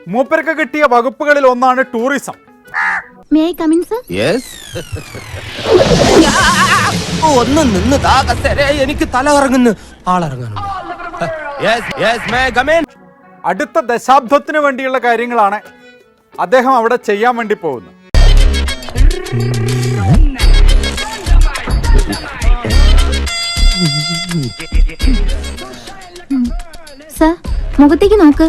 മൂപ്പർക്ക് കിട്ടിയ വകുപ്പുകളിൽ ഒന്നാണ് ടൂറിസം. ഒന്ന് നിന്ന് എനിക്ക് തല കറങ്ങുന്നു. ആളിറങ്ങുന്നു. അടുത്ത ദശാബ്ദത്തിന് വേണ്ടിയുള്ള കാര്യങ്ങളാണ് അദ്ദേഹം അവിടെ ചെയ്യാൻ വേണ്ടി പോകുന്നത്. മുഖത്തേക്ക് നോക്ക്.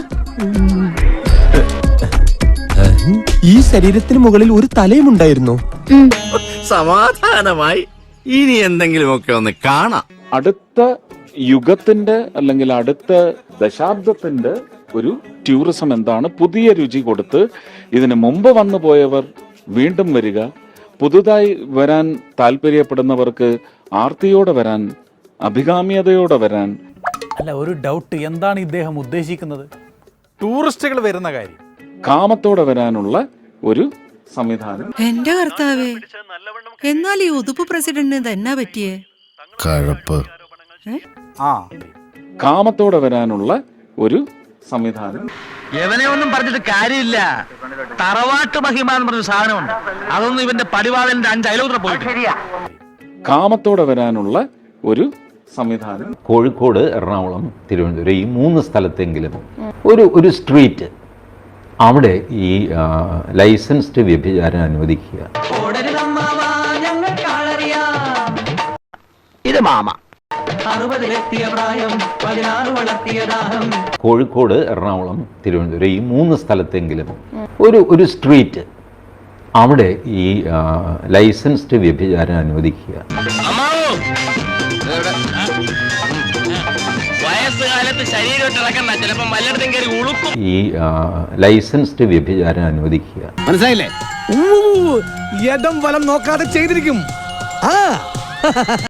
ഈ ശരീരത്തിന് മുകളിൽ ഒരു തലയും ഉണ്ടായിരുന്നു. സമാധാനമായി. ഇനി എന്തെങ്കിലുമൊക്കെ ഒന്ന് കാണാം. അടുത്ത യുഗത്തിന്റെ അല്ലെങ്കിൽ അടുത്ത ദശാബ്ദത്തിന്റെ ഒരു ടൂറിസം എന്താണ്? പുതിയ രുചി കൊടുത്ത് ഇതിന് മുമ്പ് വന്നു പോയവർ വീണ്ടും വരിക, പുതുതായി വരാൻ താല്പര്യപ്പെടുന്നവർക്ക് ആർത്തിയോടെ വരാൻ, അഭികാമ്യതയോടെ വരാൻ. അല്ല, ഒരു ഡൗട്ട്, എന്താണ് ഇദ്ദേഹം ഉദ്ദേശിക്കുന്നത്? ടൂറിസ്റ്റുകൾ വരുന്ന കാര്യം, കാമത്തോടെ വരാനുള്ള ഒരു സംവിധാനം. എന്റെ കർത്താവേ, എന്നാൽ ഈ ഉതുപ്പ് പ്രസിഡന്റിന് തന്നെ പറ്റിയേ കഴപ്പ്. കാമത്തോടെ വരാനുള്ള ഒരു സംവിധാനം. ഇവനെ ഒന്നും പറഞ്ഞിട്ട് കാര്യമില്ല. തറവാട്ട് മഹിമ എന്ന് പറഞ്ഞ സാധനമുണ്ട്. അതൊന്നും ഇവന്റെ പടിവാളന്റെ 5 അയലോത്ര പോയിട്ട്. കാമത്തോടെ വരാനുള്ള ഒരു സംവിധാനം. കോഴിക്കോട്, എറണാകുളം, തിരുവനന്തപുരം ഈ 3 സ്ഥലത്തെങ്കിലും ഒരു സ്ട്രീറ്റ് അവിടെ ഈ ലൈസൻസ്ഡ് വ്യഭിചാരം അനുവദിക്കുക. ഇത് മാമ കോഴിക്കോട്, എറണാകുളം, തിരുവനന്തപുരം ഈ 3 സ്ഥലത്തെങ്കിലും ഒരു സ്ട്രീറ്റ് അവിടെ ഈ ലൈസൻസ്ഡ് വ്യഭിചാരം അനുവദിക്കുക. വയസ്സുകാലത്ത് ശരീരം ചിലപ്പോൾ വല്ലയിടത്തും കയറി ഉളുക്കും. ഈ ലൈസൻസ്ഡ് വ്യഭിചാരം അനുവദിക്കുക. മനസ്സിലായില്ലേ? യഥം വലം നോക്കാതെ ചെയ്തിരിക്കും.